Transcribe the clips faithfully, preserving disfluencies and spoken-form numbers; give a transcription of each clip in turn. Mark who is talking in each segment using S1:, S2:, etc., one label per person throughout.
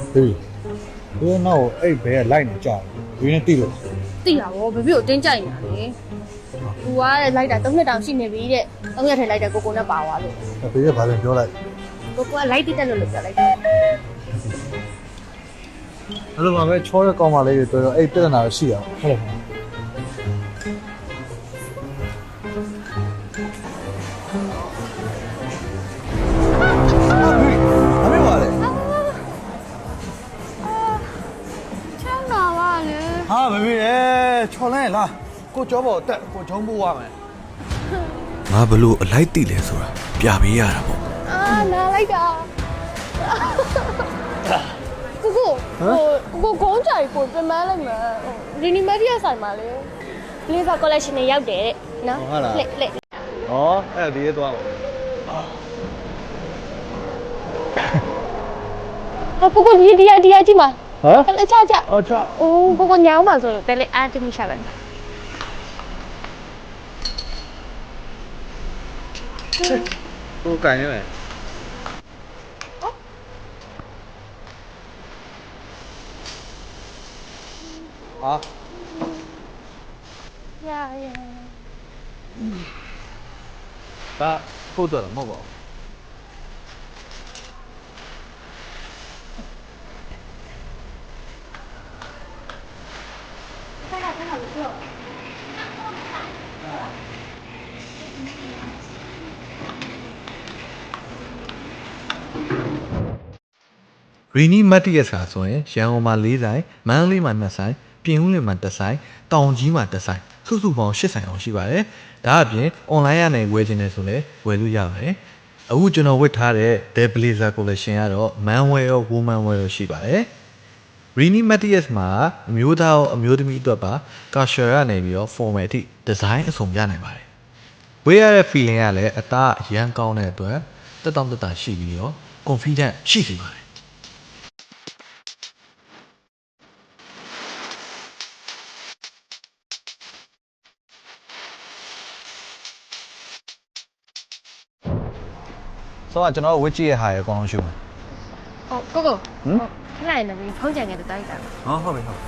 S1: Baby, you know, hey, bear line job. You need to.
S2: သိတာဗောဘဘီကိုတင်းကြိုက်နေတာလေ။ तू ကလိုက်တာသုံးနှစ်တောင်ရှိနေပြီတဲ့။သုံးရက်ထဲလိုက်တယ်ကိုကိုနဲ့ပါသွားလို့
S1: Baby, what are you doing?
S2: ။ကိုကိုကလိုက်တိတက်လို့လို့ပြောလိုက်တယ်
S1: Hello, my man. Choy, come on, lady. To hey, better now. See ya. Hello. Baby, what are you?
S2: ။ချမ်းသာပါလေ
S1: ဟာမမေရဲ့ချော်လဲလားကိုကြောပေါ်တက်ကိုဂျုံပိုးရမယ်
S3: ငါဘလို့အလိုက်တိလဲဆိုတာပြပေးရတာပေါ့
S2: ။အာနားလိုက်တာ။ကိုကိုဟိုကိုကိုကုန်းကြိုက်ကိုပြန်မလိုက်မှာ။ဟိုရီနီမက်ဒီယာဆိုင်မှာလေ။လေးက collection နဲ့ရောက်တယ်တဲ့နော်။လက်လက်
S1: ဟောအဲ့ဒီရဲသွားပါ
S2: ။ဟိုကိုကိုဒီဒီယာဒီယာကြည့်မှာ
S1: ဟမ်
S2: ။လက်ချချ
S1: အော်ချ
S2: ။အိုးကိုကိုညောင်းပါဆိုတော့တယ်လေအားတမိရှာပါ
S1: ကိုကန်နေမယ်ဟာ
S2: ။ရာရာ
S1: ဒါပို့တော့မဟုတ်ပါဘူး
S3: ရီနီမတ်တီယက်စာဆိုရင်ရန်ကုန်မှာ၄ဆိုင်မန္တလေးမှာ၂ဆိုင်ပြင်ဦးလွင်မှာတစ်ဆိုင်တောင်ကြီးမှာတစ်ဆိုင်စုစုပေါင်း၈ဆိုင်အောင်ရှိပါတယ်ဒါအပြင် online ရနိုင်ဝယ်ခြင်းနဲ့ဆိုလည်းဝယ်လို့ရပါတယ်အခုကျွန်တော်ဝတ်ထားတဲ့ The Blazer Collection ကတော့ Man Wear ရော Woman Wear ရောရှိပါတယ်ရီနီမတ်တီယက်မှာအမျိုးသားရောအမျိုးသမီးအတွက်ပါ casual ရနေပြီးတော့ formal အထိ design အစုံရနိုင်ပါတယ်ဝေးရတဲ့ feeling ကလည်းအသားအရန်ကောင်းတဲ့အတွက်တက်တောင့်တက်တာရှိပြီးတော့ confident ရှိနေပါတယ်
S1: ဆိုတော့ကျွန်တော်ဝစ်ကြီးရဲ့ဟာရအကောင်လုံးရှုမယ်
S2: ။ဟိုကိုကိုဟမ်ခလိုက်နေပြီဖုန်းကြံခဲ့တဲ့တိုက်တာ
S1: ဟောဟုတ်ပြီဟုတ်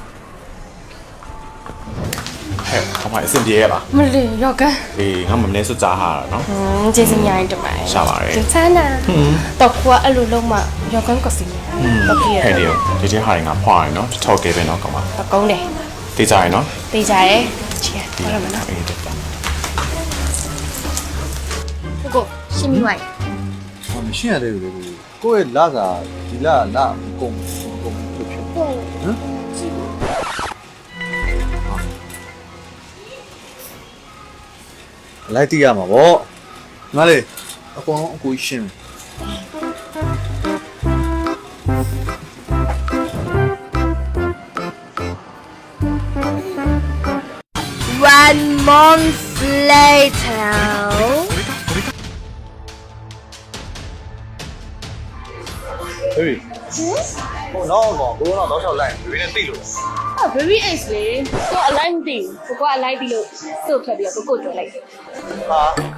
S4: ဟဲ့ခေါင်းမအဆင်ပြေရလား
S2: ။မလေးရောက်က
S4: အေးငါမမနေစွကြားဟာတာနော်
S2: อืมကျေးဇူးများရင်တမန်
S4: ရှာပါတယ်
S2: ကျေးဇူးနာတော့ကွာအဲ့လိုလုံးမရောကန်ကစီတော့ပြရ
S4: ဟဲ့ဒီဒီဒီဟာတွေငါဖွာရနော်ထောက်ခဲ့ပဲနော်ကောင်မ
S2: တော့ကုန်းတယ်
S4: တေးကြရနော်
S2: သိကြရဲချီရရမနော်
S4: အေးတက်တာ
S2: ကိုကိုရှင်းမိဝိုင်း
S1: ဟောမရှင်းရသေးဘူးလေကိုယ့်ရဲ့လာစာဒီလာလာကုန်ကုန်ဖြစ်ဖြစ်
S2: ဟုတ်
S1: ဟမ်လိုက်တိရမှာဗောငါလေအကောင်လုံးအကူရှင်း
S2: one month later
S1: Baby ဟိုတော့ကောင်ကိုတော့တော့ချောက်လိုက်ဘယ်နဲ့သိလို့
S2: oh baby ace လေကိုအလိုက်မသိဘူးကိုကအလိုက်ပြီးလို့သူ့ဖြတ်ပြီးတော့ကိုကိုကြော်လိုက်
S1: ဟာ